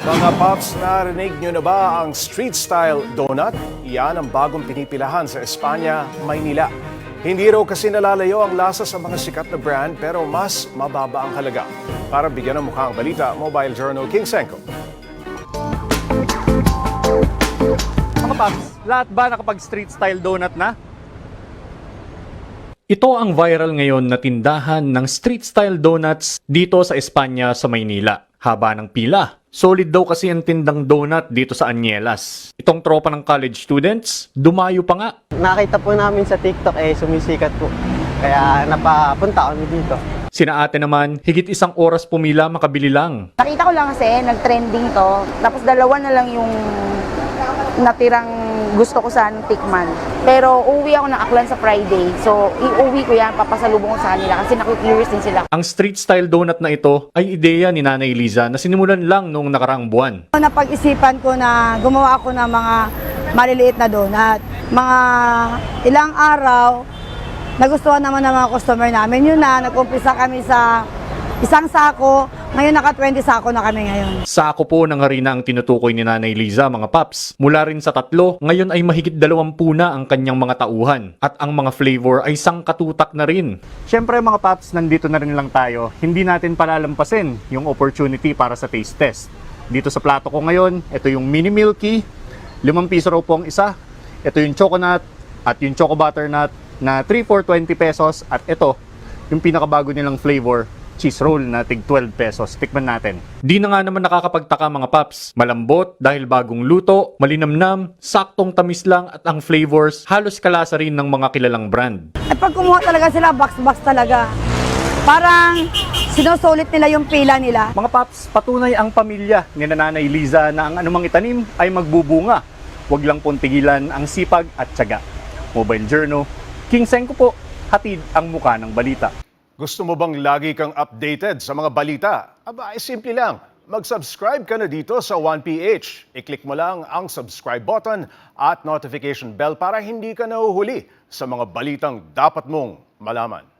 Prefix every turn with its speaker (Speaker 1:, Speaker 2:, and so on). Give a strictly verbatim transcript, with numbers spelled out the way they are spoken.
Speaker 1: Mga Pops, narinig nyo na ba ang street-style donut? Yan ang bagong pinipilahan sa Espanya, Maynila. Hindi raw kasi nalalayo ang lasa sa mga sikat na brand pero mas mababa ang halaga. Para bigyan ng mukha ang balita, Mobile Journal King Senko.
Speaker 2: Mga Pops, lahat ba nakapag-street style donut na? Ito ang viral ngayon na tindahan ng street style donuts dito sa Espanya sa Maynila. Haba ng pila. Solid daw kasi ang tindang donut dito sa Anyelas. Itong tropa ng college students, dumayo pa nga.
Speaker 3: Nakita po namin sa TikTok eh sumisikat po. Kaya napapunta kami dito.
Speaker 2: Sina ate naman, higit isang oras pumila makabili lang.
Speaker 4: Nakita ko lang kasi, nag-trending to. Tapos dalawa na lang yung natirang gusto ko sanang tikman. Pero uuwi ako ng Aklan sa Friday. So, iuwi ko yan, papasalubong ko sa kanila kasi naku-curious din sila.
Speaker 2: Ang street style donut na ito ay ideya ni Nanay Liza na sinimulan lang noong nakaraang buwan.
Speaker 5: Napag-isipan ko na gumawa ako ng mga maliliit na donut. Mga ilang araw, nagustuhan naman ng mga customer namin. Yun na, nag-umpisa kami sa isang sako. Ngayon naka twenty sako na kami ngayon.
Speaker 2: Sako po ng harina ang tinutukoy ni Nanay Liza, mga Paps. Mula rin sa tatlo, ngayon ay mahigit dalawampu na ang kanyang mga tauhan. At ang mga flavor ay sangkatutak na rin. Siyempre mga Paps, nandito na rin lang tayo. Hindi natin palalampasin yung opportunity para sa taste test. Dito sa plato ko ngayon, ito yung mini milky. Limang piso raw po ang isa. Ito yung choconut at yung choco butternut na three for twenty pesos. At ito, yung pinakabago nilang flavor, cheese roll na tig twelve pesos. Tikman natin. Di na nga naman nakakapagtaka mga Paps. Malambot dahil bagong luto, malinamnam, saktong tamis lang at ang flavors halos kalasa rin ng mga kilalang brand.
Speaker 5: At pag kumuha talaga sila, box-box talaga. Parang sinusulit nila yung pila nila.
Speaker 2: Mga Paps, patunay ang pamilya ni Nanay Liza na ang anumang itanim ay magbubunga. Huwag lang pong tigilan ang sipag at tiyaga. Mobile Journal, King Senko po, hatid ang muka ng balita.
Speaker 1: Gusto mo bang lagi kang updated sa mga balita? Aba, ay simple lang. Mag-subscribe ka na dito sa one P H. I-click mo lang ang subscribe button at notification bell para hindi ka nahuhuli sa mga balitang dapat mong malaman.